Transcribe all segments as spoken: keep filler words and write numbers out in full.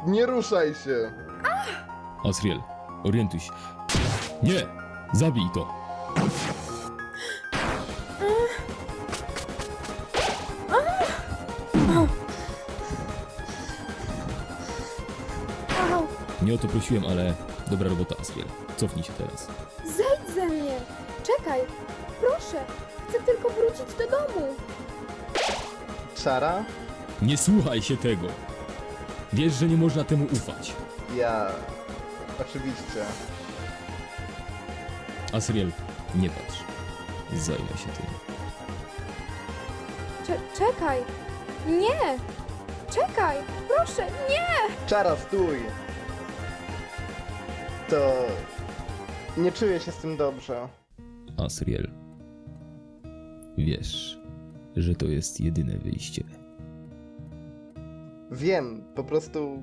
Nie ruszaj się! Asriel, orientuj się. Nie! Zabij to! Au, Nie o to prosiłem, ale dobra robota, Asriel. Cofnij się teraz. zejdź ze mnie! Czekaj! Proszę! Chcę tylko wrócić do domu! Czara? Nie słuchaj się tego! Wiesz, że nie można temu ufać. Ja... Oczywiście. Asriel, nie patrz. Zajmę się tym. Cze- czekaj! Nie! Czekaj! Proszę, nie! Czara, stój! To... Nie czuję się z tym dobrze. Asriel, wiesz, że to jest jedyne wyjście. Wiem, po prostu...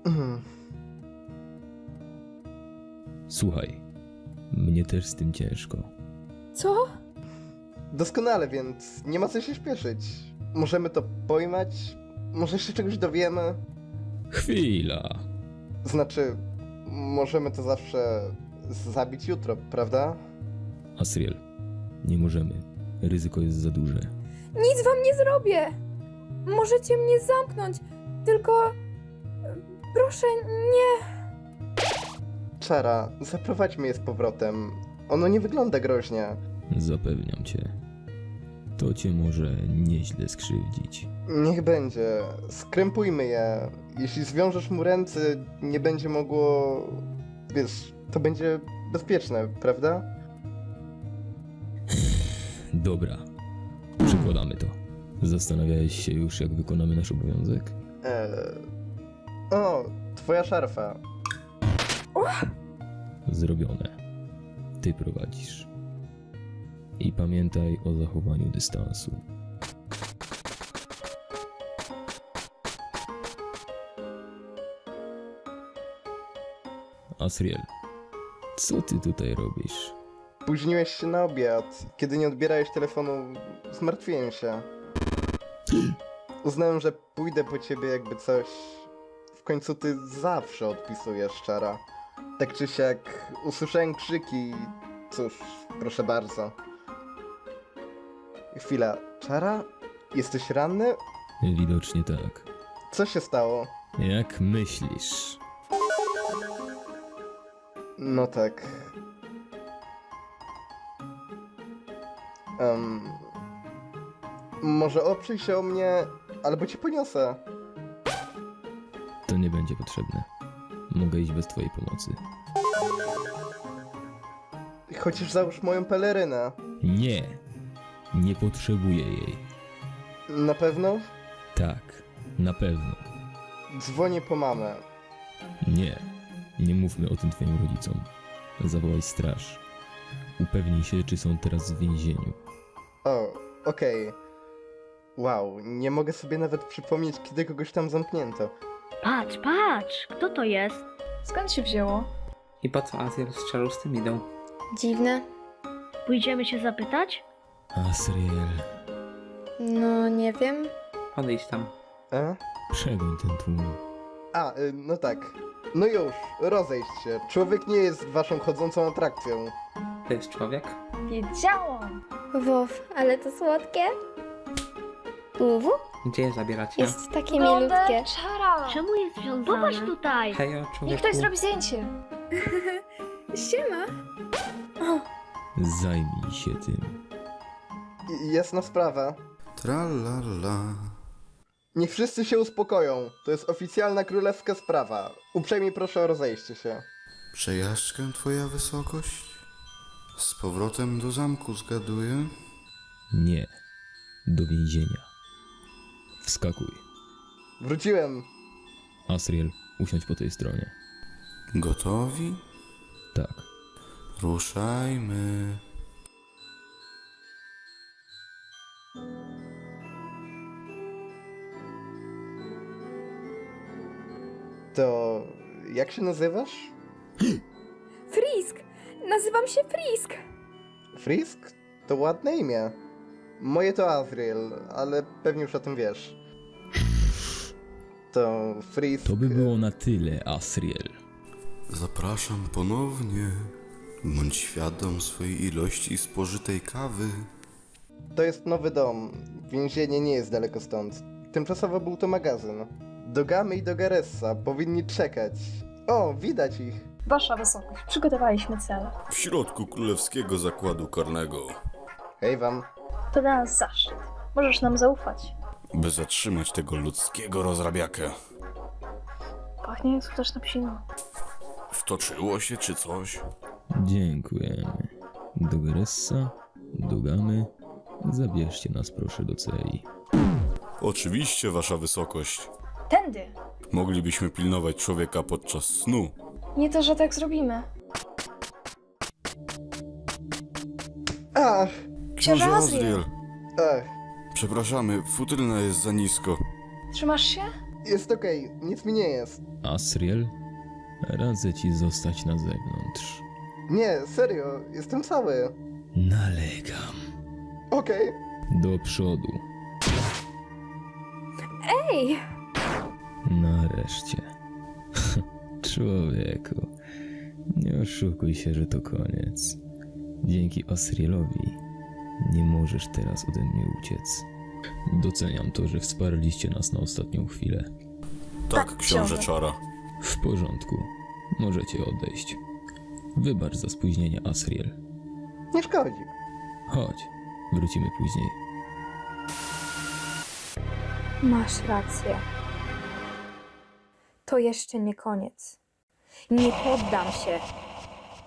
Słuchaj, mnie też z tym ciężko. Co? Doskonale, więc nie ma co się śpieszyć. Możemy to pojmać? Może się czegoś dowiemy? Chwila! Znaczy, możemy to zawsze zabić jutro, prawda? Asriel, nie możemy. Ryzyko jest za duże. Nic wam nie zrobię! Możecie mnie zamknąć, tylko... Proszę, nie! Czara, zaprowadźmy je z powrotem. Ono nie wygląda groźnie. Zapewniam cię. To cię może nieźle skrzywdzić. Niech będzie. Skrępujmy je. Jeśli zwiążesz mu ręce, nie będzie mogło... Wiesz, to będzie bezpieczne, prawda? Dobra. Przekładamy to. Zastanawiałeś się już, jak wykonamy nasz obowiązek? Eee... O, twoja szarfa. Zrobione. Ty prowadzisz. I pamiętaj o zachowaniu dystansu. Asriel, co ty tutaj robisz? Spóźniłeś się na obiad. Kiedy nie odbierałeś telefonu, zmartwiłem się. Uznałem, że pójdę po ciebie jakby coś. W końcu ty zawsze odpisujesz, Czara. Tak czy siak usłyszałem krzyki. Cóż, proszę bardzo. Chwila, Czara? Jesteś ranny? Widocznie tak. Co się stało? Jak myślisz? No tak. Um, może oprzyj się o mnie, albo ci poniosę. To nie będzie potrzebne. Mogę iść bez twojej pomocy. Chociaż załóż moją pelerynę. Nie! Nie potrzebuję jej. Na pewno? Tak, na pewno. Dzwonię po mamę. Nie. Nie mówmy o tym twoim rodzicom. Zawołaj straż. Upewnij się, czy są teraz w więzieniu. O, okej. Wow, nie mogę sobie nawet przypomnieć, kiedy kogoś tam zamknięto. Patrz, patrz, kto to jest? Skąd się wzięło? I po co Azir z Czarą z tym idą? Dziwne. Pójdziemy się zapytać? Asriel, No, nie wiem. Podejdź tam. E? przegoń ten tłum. A, y, no tak. No już, rozejść się. Człowiek nie jest waszą chodzącą atrakcją. To jest człowiek? Wiedziałam! Wow, ale to słodkie. Uwu, Gdzie je zabieracie? jest takie milutkie. Czara! Czemu jest związany? Popatrz tutaj! Hejo, Niech człowieku. ktoś zrobi zdjęcie! Siema. Zajmij się tym. I, jasna sprawa. Tralala. Niech wszyscy się uspokoją. To jest oficjalna królewska sprawa. Uprzejmie proszę o rozejście się. Przejażdżkę, twoja wysokość? Z powrotem do zamku, zgaduję? Nie. Do więzienia. Wskakuj. Wróciłem. Asriel, usiądź po tej stronie. Gotowi? Tak. Ruszajmy. To... jak się nazywasz? Frisk! Nazywam się Frisk! Frisk? To ładne imię. Moje to Azriel, ale pewnie już o tym wiesz. to Frisk... To by było na tyle, Asriel. Zapraszam ponownie. Bądź świadom swojej ilości spożytej kawy. To jest nowy dom. Więzienie nie jest daleko stąd. Tymczasowo był to magazyn. Do Gamy i do Garessa powinni czekać. O, widać ich. Wasza wysokość, przygotowaliśmy cel. W środku królewskiego zakładu karnego. Hej wam. To dla nas zaszczyt. Możesz nam zaufać. By zatrzymać tego ludzkiego rozrabiakę. Pachnie jak skuteczna psina. Wtoczyło się czy coś? Dziękujemy. Do Garessa, do Gamy. Zabierzcie nas proszę do celi. Oczywiście, wasza wysokość. Tędy! Moglibyśmy pilnować człowieka podczas snu. Nie to, że tak zrobimy. Ach, Książę Azriel! ach, Przepraszamy, futryna jest za nisko. Trzymasz się? jest okej, nic mi nie jest. Asriel, radzę ci zostać na zewnątrz. Nie, serio, jestem cały. Nalegam. Okej. Do przodu. Ej! Nareszcie. Człowieku, nie oszukuj się, że to koniec. Dzięki Asrielowi nie możesz teraz ode mnie uciec. Doceniam to, że wsparliście nas na ostatnią chwilę. Tak, książę Czara. W porządku, możecie odejść. Wybacz za spóźnienie, Asriel. Nie szkodzi. Chodź, wrócimy później. Masz rację. To jeszcze nie koniec. Nie poddam się.